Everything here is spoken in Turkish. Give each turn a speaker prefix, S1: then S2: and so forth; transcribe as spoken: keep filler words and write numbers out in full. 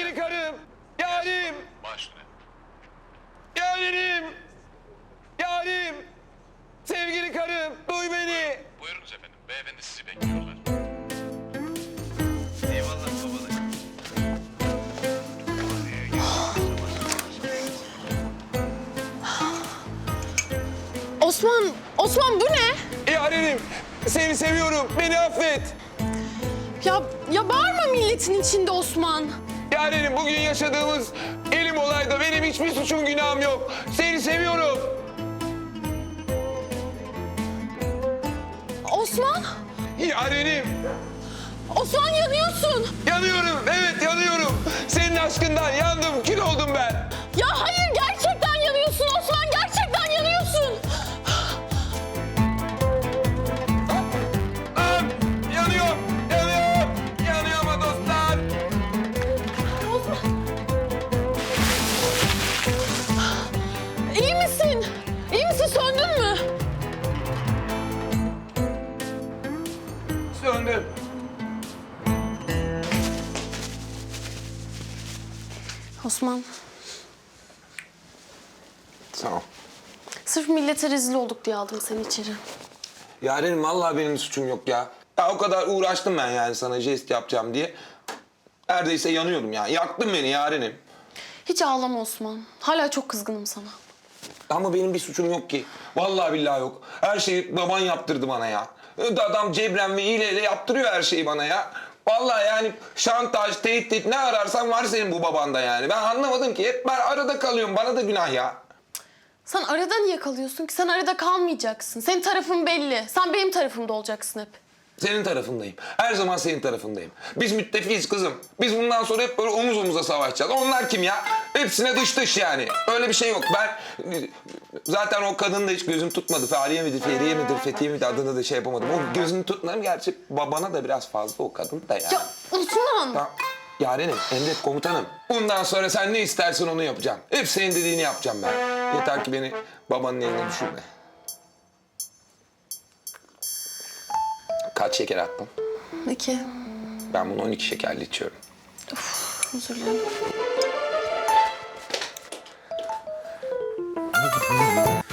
S1: Sevgili karım, yarim,
S2: Baş üstüne.
S1: yarim, yarim. Sevgili karım, duy beni.
S2: Buyurunuz efendim. Beyefendi sizi bekliyorlar.
S1: Eyvallah babalar.
S3: Osman, Osman bu ne?
S1: Yarenim, seni seviyorum. Beni affet.
S3: Ya, ya bağırma milletin içinde Osman.
S1: Yarenim, bugün yaşadığımız elim olayda benim hiçbir suçum günahım yok. Seni seviyorum.
S3: Osman,
S1: Yarenim,
S3: Osman yanıyorsun.
S1: yanıyorum. Evet, yanıyorum. Senin aşkından yandım, kül oldum ben.
S3: Ya hayır gerçekten yanıyorsun Osman, gerçekten yanıyorsun.
S1: Ah, yanıyorum, yanıyorum. Yanıyorum ha dostlar.
S3: Osman. İyi misin? İyi misin? Söndün mü?
S1: Söndüm.
S3: Osman,
S1: Sağ ol.
S3: sırf millete rezil olduk diye aldım seni içeri.
S1: Yarenim, vallahi benim suçum yok ya. Ya o kadar uğraştım ben yani sana jest yapacağım diye. Neredeyse yanıyordum ya. Yaktın beni yarenim.
S3: Hiç ağlama Osman. Hala çok kızgınım sana.
S1: Ama benim bir suçum yok ki. Vallahi billahi yok. Her şeyi baban yaptırdı bana ya. Adam cebren ve hileyle yaptırıyor her şeyi bana ya. Vallahi yani şantaj, tehdit ne ararsan var senin bu babanda yani. Ben anlamadım ki. Hep ben arada kalıyorum. Bana da günah ya.
S3: Sen arada niye kalıyorsun ki? Sen arada kalmayacaksın. Senin tarafın belli. Sen benim tarafımda olacaksın hep.
S1: Senin tarafındayım. Her zaman senin tarafındayım. Biz müttefiyiz kızım. Biz bundan sonra hep böyle omuz omuza savaşacağız. Onlar kim ya? Hepsine dış dış yani. Öyle bir şey yok. Ben zaten o kadını da hiç gözüm tutmadı. Fahriye midir, Feriye midir, Fethiye midir adını da şey yapamadım. O gözünü tutmadım. Gerçi babana da biraz fazla o kadın da yani.
S3: Ya Osman!
S1: Tamam. Yarenim, emret komutanım. Bundan sonra sen ne istersen onu yapacağım. Hep senin dediğini yapacağım ben. Yeter ki beni babanın eline düşürme. Kaç şeker attın?
S3: İki.
S1: Ben bunu on iki şekerli içiyorum.
S3: Özür dilerim.